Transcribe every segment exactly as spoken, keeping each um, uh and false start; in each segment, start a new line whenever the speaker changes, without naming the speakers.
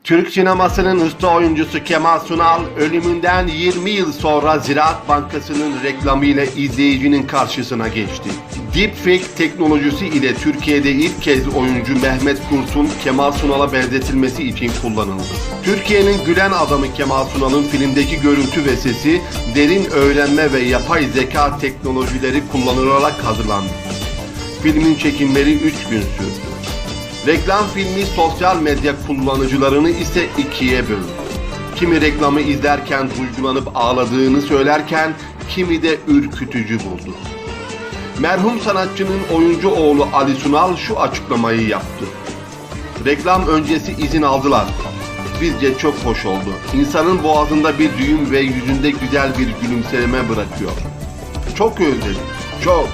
Türk sinemasının usta oyuncusu Kemal Sunal ölümünden yirmi yıl sonra Ziraat Bankası'nın reklamıyla izleyicinin karşısına geçti. Deepfake teknolojisi ile Türkiye'de ilk kez oyuncu Mehmet Kurt'un Kemal Sunal'a benzetilmesi için kullanıldı. Türkiye'nin gülen adamı Kemal Sunal'ın filmdeki görüntü ve sesi derin öğrenme ve yapay zeka teknolojileri kullanılarak hazırlandı. Filmin çekimleri üç gün sürdü. Reklam filmi sosyal medya kullanıcılarını ise ikiye böldü. Kimi reklamı izlerken duygulanıp ağladığını söylerken kimi de ürkütücü buldu. Merhum sanatçının oyuncu oğlu Ali Sunal şu açıklamayı yaptı. Reklam öncesi izin aldılar. Bizce çok hoş oldu. İnsanın boğazında bir düğüm ve yüzünde güzel bir gülümseme bırakıyor. Çok özledim. Çok.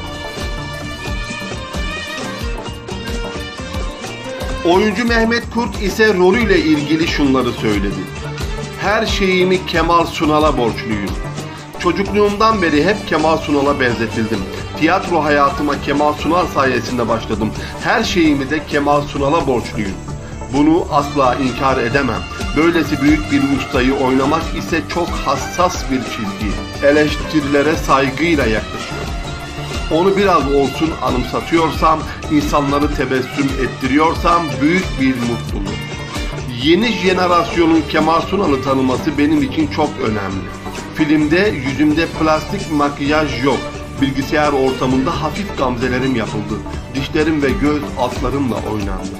Oyuncu Mehmet Kurt ise rolüyle ilgili şunları söyledi. Her şeyimi Kemal Sunal'a borçluyum. Çocukluğumdan beri hep Kemal Sunal'a benzetildim. Tiyatro hayatıma Kemal Sunal sayesinde başladım. Her şeyimi de Kemal Sunal'a borçluyum. Bunu asla inkar edemem. Böylesi büyük bir ustayı oynamak ise çok hassas bir çizgi. Eleştirilere saygıyla yaklaşıyor. Onu biraz olsun anımsatıyorsam, insanları tebessüm ettiriyorsam büyük bir mutluluk. Yeni jenerasyonun Kemal Sunal'ı tanıması benim için çok önemli. Filmde yüzümde plastik makyaj yok. Bilgisayar ortamında hafif gamzelerim yapıldı. Dişlerim ve göz altlarımla oynandı.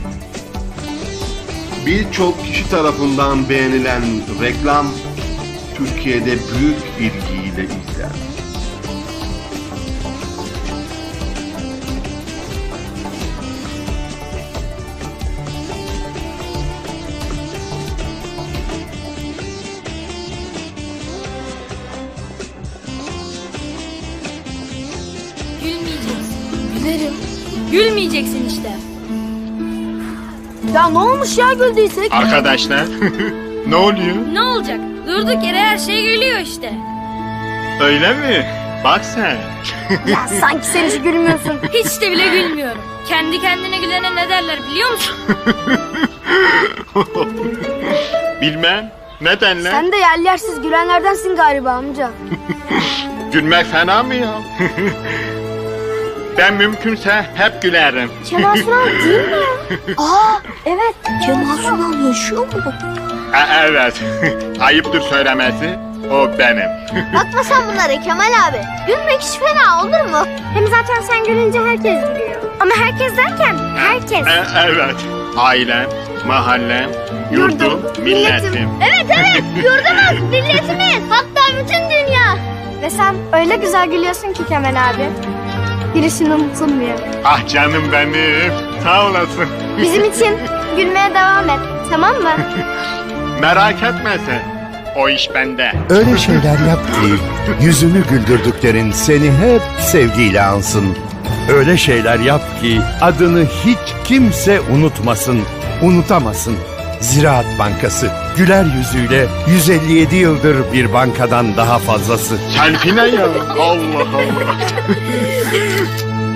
Birçok kişi tarafından beğenilen reklam Türkiye'de büyük ilgiyle izlendi.
Gülmeyeceksin. Gülerim. Gülmeyeceksin işte.
Ya ne olmuş ya güldüysek?
Arkadaşlar ne oluyor?
Ne olacak? Durduk yere her şey gülüyor işte.
Öyle mi? Bak sen.
Ya sanki sen hiç gülmüyorsun.
Hiç de bile gülmüyorum. Kendi kendine gülene ne derler biliyor musun?
Bilmem. Nedenle?
Sen de yer yersiz gülenlerdensin galiba amca.
Gülmek fena mı ya? Ben mümkünse hep gülerim.
Kemal Sunal değil mi ya? Aa evet. Kemal Sunal yaşıyor mu?
E, evet. Ayıptır söylemesi. O benim.
Bakma sen bunlara Kemal abi. Gülmek hiç fena olur mu? Hem zaten sen gülünce herkes gülüyor. Ama herkes derken herkes.
E, evet. Ailem, mahallem, yurdum, milletim.
Evet evet yurdumuz, milletimiz. Hatta bütün dünya. Ve sen öyle güzel gülüyorsun ki Kemal abi. Girişin unutulmuyor.
Ah canım benim. Sağ olasın.
Bizim için gülmeye devam et. Tamam mı?
Merak etme sen. O iş bende.
Öyle şeyler yap ki yüzünü güldürdüklerin seni hep sevgiyle ansın. Öyle şeyler yap ki adını hiç kimse unutmasın, unutamasın. Ziraat Bankası güler yüzüyle yüz elli yedi yıldır bir bankadan daha fazlası.
Selfie ne ya? Allah Allah.